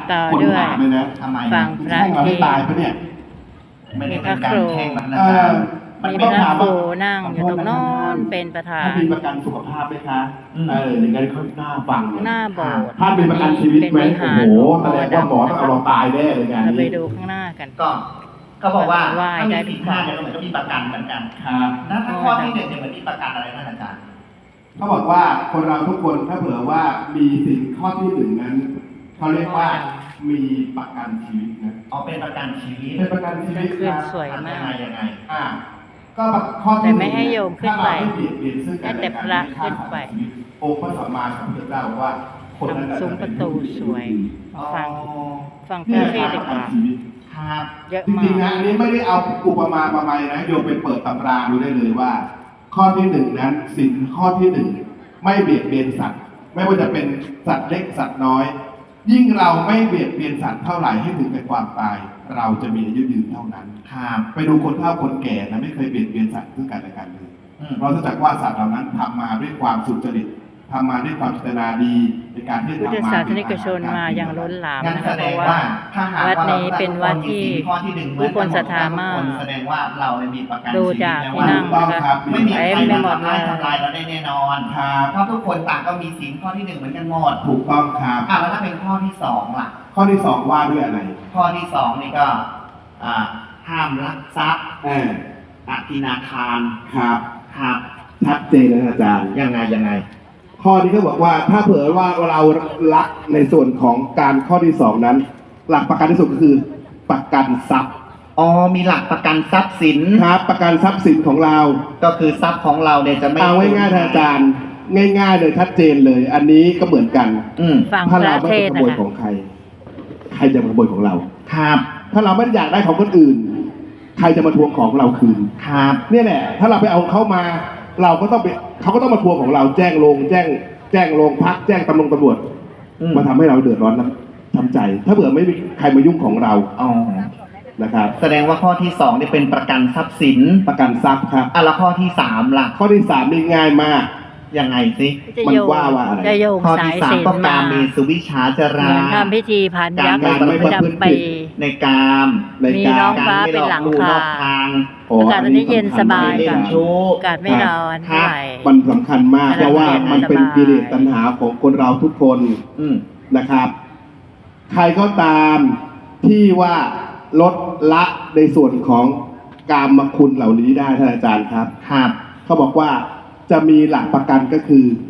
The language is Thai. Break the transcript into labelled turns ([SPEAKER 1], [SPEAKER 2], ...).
[SPEAKER 1] ต่อ
[SPEAKER 2] คน
[SPEAKER 1] ด้วย
[SPEAKER 2] ถามเลยนะ
[SPEAKER 3] ทำไม
[SPEAKER 1] ฟังพระ
[SPEAKER 2] แช่งเราให้ตายปะเนี่ย
[SPEAKER 3] ไม่ได้เป็นการแช่งมันนะ
[SPEAKER 2] เอ
[SPEAKER 3] ครั
[SPEAKER 2] อบ มัน
[SPEAKER 1] มี
[SPEAKER 2] ต้อง
[SPEAKER 1] พระ
[SPEAKER 2] ถาม
[SPEAKER 1] ค
[SPEAKER 2] ว่า
[SPEAKER 1] รูนั่งอยู่ตรงโน้นเป็นประธาน
[SPEAKER 2] ท่านมีประกันสุขภาพไหมคะอย่างนั้นเขาหน้าฟังเลย
[SPEAKER 1] หน้าโบสถ์
[SPEAKER 2] ท่านมีประกันชีวิตไหม
[SPEAKER 1] เป็นวิหาร
[SPEAKER 2] โอ้โหแสดงว่าหมอต้องเอาเราตายแน่เลยงาน
[SPEAKER 1] เราไป
[SPEAKER 2] นี้
[SPEAKER 1] ดูข้างหน้ากัน
[SPEAKER 3] ก็เขาบอกว่า
[SPEAKER 1] ไหว้
[SPEAKER 3] ถ้า
[SPEAKER 1] ได้
[SPEAKER 3] มี
[SPEAKER 1] ทุ
[SPEAKER 3] สิ
[SPEAKER 1] ก
[SPEAKER 3] น
[SPEAKER 1] ข้
[SPEAKER 3] ห้า
[SPEAKER 1] อ
[SPEAKER 3] เนี่ยก็เหมือนก็มีประกันเหมือนกัน
[SPEAKER 2] ครับ
[SPEAKER 3] นะถ้าข้อที่หนึ่งเนี่ยเหมือนมีประกันอะไรท่านอาจารย์
[SPEAKER 2] เขาบอกว่าคนเราทุกคนถ้าเผื่อว่ามีสิ่งข้อที่หนึ่งนั้นเขาเรียกว่ามีประกันชีวิตนะ
[SPEAKER 3] เอาเป็นประกันชีวิต
[SPEAKER 2] เป็นประกันชีวิต
[SPEAKER 1] ขึ้น
[SPEAKER 2] นะ
[SPEAKER 1] สวยมาก
[SPEAKER 3] ยังไง
[SPEAKER 2] ก็ข้อที่
[SPEAKER 1] แต่ไม่ให้โยมขึ้นไป
[SPEAKER 2] ถ้าเราม่เบียดเบียนซึ่งกันและกัน
[SPEAKER 1] ให้แต่พระขึ้นไป
[SPEAKER 2] องค์พระสัมมาสัมพุทธเจ้าบอกว่าคนนั้น
[SPEAKER 1] ทำซุ้มประตูสวย
[SPEAKER 3] อ๋อ
[SPEAKER 1] ฟังพ
[SPEAKER 2] นี่
[SPEAKER 1] ระ
[SPEAKER 2] แหละ
[SPEAKER 1] เท
[SPEAKER 2] ค
[SPEAKER 1] ศ
[SPEAKER 2] รับ
[SPEAKER 1] น์ ดีกว่า
[SPEAKER 2] ประกันชีวิต
[SPEAKER 3] ครับ
[SPEAKER 1] เยอะ
[SPEAKER 2] จ
[SPEAKER 1] มา
[SPEAKER 2] ริงๆ
[SPEAKER 1] ก
[SPEAKER 2] นะอันนี้ไม่ได้เอาอุปมาประไมยนะโยมไปเปิดตำราดูได้เลยว่า ข้อที่หนึ่งนั้นสินข้อที่หนึ่งไม่เบียดเบียนสัตว์ ไม่ว่าจะเป็นสัตว์เล็กสัตว์น้อย ยิ่งเราไม่เบียดเบียนสัตว์เท่าไหร่ให้ถึงแก่ความตาย เราจะมีอายุยืนเท่านั้น
[SPEAKER 3] ครับ
[SPEAKER 2] ไปดูคนเฒ่าคนแก่นะไม่เคยเบียดเบียนสัตว์ซึ่งกันและกันเลย เพราะเนื่องจากว่าสัตว์เหล่านั้นทำมาด้วยความสุจริตทำมาด้วยความเจตนาดีในการที่จะ
[SPEAKER 1] พุทธ
[SPEAKER 2] ทำมา
[SPEAKER 1] ศาสนิกชนมาอย่างล้นหลาม
[SPEAKER 3] งั้น
[SPEAKER 1] นะ
[SPEAKER 3] แส
[SPEAKER 1] คะ
[SPEAKER 3] ด
[SPEAKER 1] เพ
[SPEAKER 3] ง
[SPEAKER 1] ราะว่า
[SPEAKER 3] ว่าถ้าหาก
[SPEAKER 1] วัด
[SPEAKER 3] ว่าเรา
[SPEAKER 1] นี้เป็นวัดที่
[SPEAKER 3] มีข้อที่หนึ่งเหมื
[SPEAKER 1] ผู้
[SPEAKER 3] อน
[SPEAKER 1] คนศรัทธา
[SPEAKER 3] ทุก
[SPEAKER 1] มาก
[SPEAKER 3] คนแสดงว่าเราเนี่ยมีประกัน
[SPEAKER 1] ดู
[SPEAKER 3] ชีวิต
[SPEAKER 1] จาก
[SPEAKER 3] แล้ว
[SPEAKER 1] ที่
[SPEAKER 3] ว่า
[SPEAKER 1] นั่งนะคะ
[SPEAKER 3] ไม่มีใคร
[SPEAKER 1] เต็มไปหม
[SPEAKER 3] มา
[SPEAKER 1] ดเลย
[SPEAKER 3] ทำลายเราได้แน่นอน
[SPEAKER 2] ครับ
[SPEAKER 3] เพราะทุกคนต่างก็มีศีลข้อที่หนึ่งเหมือนกันหมด
[SPEAKER 2] ถูกต้องครับ
[SPEAKER 3] แล้วถ้าเป็นข้อที่สองล่ะ
[SPEAKER 2] ข้อที่สองว่าด้วยอะไร
[SPEAKER 3] ข้อที่สองนี่ก็ห้ามลักทรัพย์ อธินาทาน
[SPEAKER 2] ครับ
[SPEAKER 3] ครับ
[SPEAKER 2] ชัดเจนนะอาจารย์
[SPEAKER 3] ยังไง
[SPEAKER 2] ข้อนี้ก็บอกว่าถ้าเผื่อว่าเรารักในส่วนของการข้อที่สองนั้น หลักประกันที่สุดก็คือประกันทรัพย์
[SPEAKER 3] อ๋อมีหลักประกันทรัพย์สิน
[SPEAKER 2] ครับประกันทรัพย์สินของเรา
[SPEAKER 3] ก็คือทรัพย์ของเราเนี่ยจะไม่
[SPEAKER 2] เอาง่ายๆท่านอาจารย์ ง่ายๆเลยชัดเจนเลย อันนี้ก็เหมือนกัน
[SPEAKER 1] ฟังพ
[SPEAKER 2] ถ้าเรา
[SPEAKER 1] ระ
[SPEAKER 2] ไม่
[SPEAKER 1] เท
[SPEAKER 2] ไป
[SPEAKER 1] ศ
[SPEAKER 2] ข
[SPEAKER 1] น์
[SPEAKER 2] โมย
[SPEAKER 1] นะคะ
[SPEAKER 2] ของใคร ใครจะมาขโมยของเรา
[SPEAKER 3] ครับ
[SPEAKER 2] ถ้าเราไม่ได้อยากได้ของคนอื่น ใครจะมาทวงของเราคืน
[SPEAKER 3] ครับ
[SPEAKER 2] เนี่ยแหละ ถ้าเราไปเอาเขามา เราก็ต้องไปเขาก็ต้องมาทวงของเราแจ้งโรงพักแจ้งตำรวจ มาทำให้เราเดือดร้อนนะทำใจ ถ้าเผื่อไม่มีใครมายุ่งของเรา
[SPEAKER 3] อ๋อ
[SPEAKER 2] นะครับ
[SPEAKER 3] แสดงว่าข้อที่สองนี่เป็นประกันทรัพย์สิน
[SPEAKER 2] ประกันทรัพย์ครับ
[SPEAKER 3] แล้วข้อที่สามล่ะ
[SPEAKER 2] ข้อที่สามนี่ง่ายมาก
[SPEAKER 3] ยังไงสิ
[SPEAKER 1] จะ
[SPEAKER 2] มัน
[SPEAKER 1] โยง
[SPEAKER 2] ว่าอะไร
[SPEAKER 1] จะโยง
[SPEAKER 3] ข้อ
[SPEAKER 1] สา
[SPEAKER 3] ที่
[SPEAKER 1] ย
[SPEAKER 3] สาม
[SPEAKER 1] สิญ
[SPEAKER 3] ก็
[SPEAKER 1] จน์
[SPEAKER 3] กา
[SPEAKER 1] มา
[SPEAKER 3] เมสุวิชชาจ
[SPEAKER 1] เห
[SPEAKER 3] รา
[SPEAKER 1] มือนทำพิธีพันยักษ์
[SPEAKER 3] การ
[SPEAKER 1] ประจำปี
[SPEAKER 3] ในกาม
[SPEAKER 2] ใน
[SPEAKER 1] มี
[SPEAKER 2] กา
[SPEAKER 1] น้อง
[SPEAKER 2] ร
[SPEAKER 1] ฟ้าเป็นหลังคา
[SPEAKER 3] นอกทาง
[SPEAKER 2] โอ้
[SPEAKER 1] อากาศวันนี้เย็นสบาย
[SPEAKER 3] เล่
[SPEAKER 1] ค่ะ
[SPEAKER 3] นชู้
[SPEAKER 1] อากาศไม่ร้อนเท่าไหร่
[SPEAKER 2] มันสำคัญมากเพราะว่ามันเป็นกิเลสตัณหาของคนเราทุกคน นะครับ ใครก็ตามที่ว่าลดละในส่วนของกามคุณเหล่านี้ได้ท่านอาจารย์ครับ
[SPEAKER 3] ครับ
[SPEAKER 2] เขาบอกว่าจะมีหลักประกันก็คือ